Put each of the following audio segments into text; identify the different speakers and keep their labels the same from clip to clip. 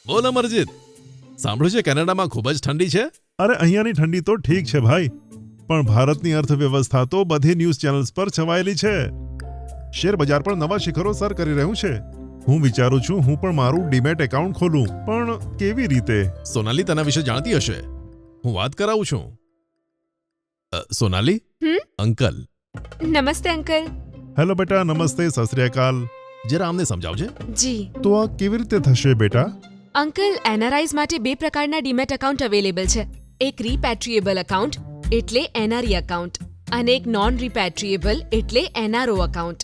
Speaker 1: બોલ અમરજીત, સાંભળ્યું છે કેનેડામાં ખૂબ જ ઠંડી છે?
Speaker 2: અરે અહીંયાની ઠંડી તો ઠીક છે ભાઈ, પણ ભારતની અર્થવ્યવસ્થા તો બધી ન્યૂઝ ચેનલ્સ પર છવાયેલી છે. શેર બજાર પણ નવા શિખરો સર કરી રહ્યું છે. હું વિચારું છું હું પણ મારું ડીમેટ એકાઉન્ટ ખોલું, પણ કેવી રીતે?
Speaker 1: સોનાલી તેના વિશે જાણતી હશે, હું વાત કરાવું છું. સોનાલી, અંકલ.
Speaker 3: નમસ્તે અંકલ.
Speaker 2: હેલો બેટા, નમસ્તે, સત શ્રી અકાલ.
Speaker 1: જરા આમને સમજાવજે.
Speaker 3: જી
Speaker 2: તો આ કેવી રીતે થશે બેટા?
Speaker 3: અંકલ, એનઆરઆઈઝ માટે 2 પ્રકારના ડીમેટ એકાઉન્ટ અવેલેબલ છે. એક રીપેટ્રિએબલ એકાઉન્ટ એટલે એનઆરઈ એકાઉન્ટ, અને એક નોન રીપેટ્રિએબલ એટલે એનઆરઓ એકાઉન્ટ.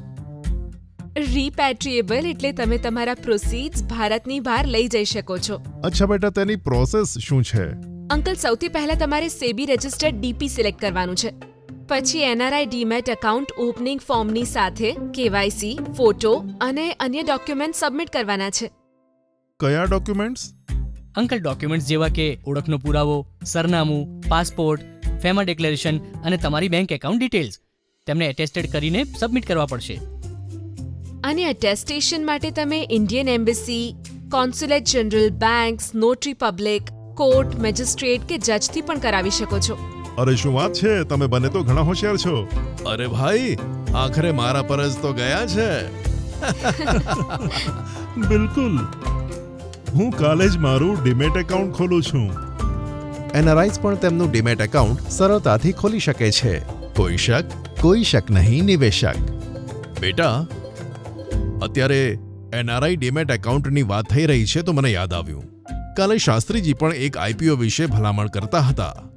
Speaker 3: રીપેટ્રિએબલ એટલે તમે તમારા પ્રોસીડ્સ ભારતની બહાર લઈ જઈ શકો છો.
Speaker 2: અચ્છા બેટા, તેની પ્રોસેસ શું છે?
Speaker 3: અંકલ, સૌથી પહેલા તમારે સેબી રજિસ્ટર્ડ ડીપી સિલેક્ટ કરવાનું છે. પછી એનઆરઆઈ ડીમેટ એકાઉન્ટ ઓપનિંગ ફોર્મની સાથે કેવાયસી, ફોટો અને અન્ય ડોક્યુમેન્ટ સબમિટ કરવાના છે.
Speaker 2: કયા ડોક્યુમેન્ટ્સ?
Speaker 4: અંકલ, ડોક્યુમેન્ટ્સ જેવા કે ઓળખનો પુરાવો, સરનામું, પાસપોર્ટ, ફેમા ડિક્લેરેશન અને તમારી બેંક એકાઉન્ટ ડિટેલ્સ તેમને એટેસ્ટેડ કરીને સબમિટ કરવા પડશે.
Speaker 3: અને અટેસ્ટેશન માટે તમે Indian embassy, consulate general, banks, notary public, court, magistrate કે જજથી પણ કરાવી શકો છો.
Speaker 2: અરે શું વાત છે, તમે બંને તો ઘણા હોશિયાર છો.
Speaker 1: અરે ભાઈ, આખરે મારા પર જ તો ગયા છે.
Speaker 2: બિલકુલ, હું કાલે જ મારું ડીમેટ એકાઉન્ટ ખોલું છું.
Speaker 1: એનઆરઆઈઝ પણ તેમનું ડીમેટ એકાઉન્ટ સરળતાથી ખોલી શકે છે. કોઈ શક નહીં નિવેશક. બેટા, અત્યારે એનઆરઆઈ ડીમેટ એકાઉન્ટની વાત થઈ રહી છે તો મને યાદ આવ્યું, કાલે શાસ્ત્રીજી પણ એક આઈપીઓ વિશે ભલામણ કરતા હતા.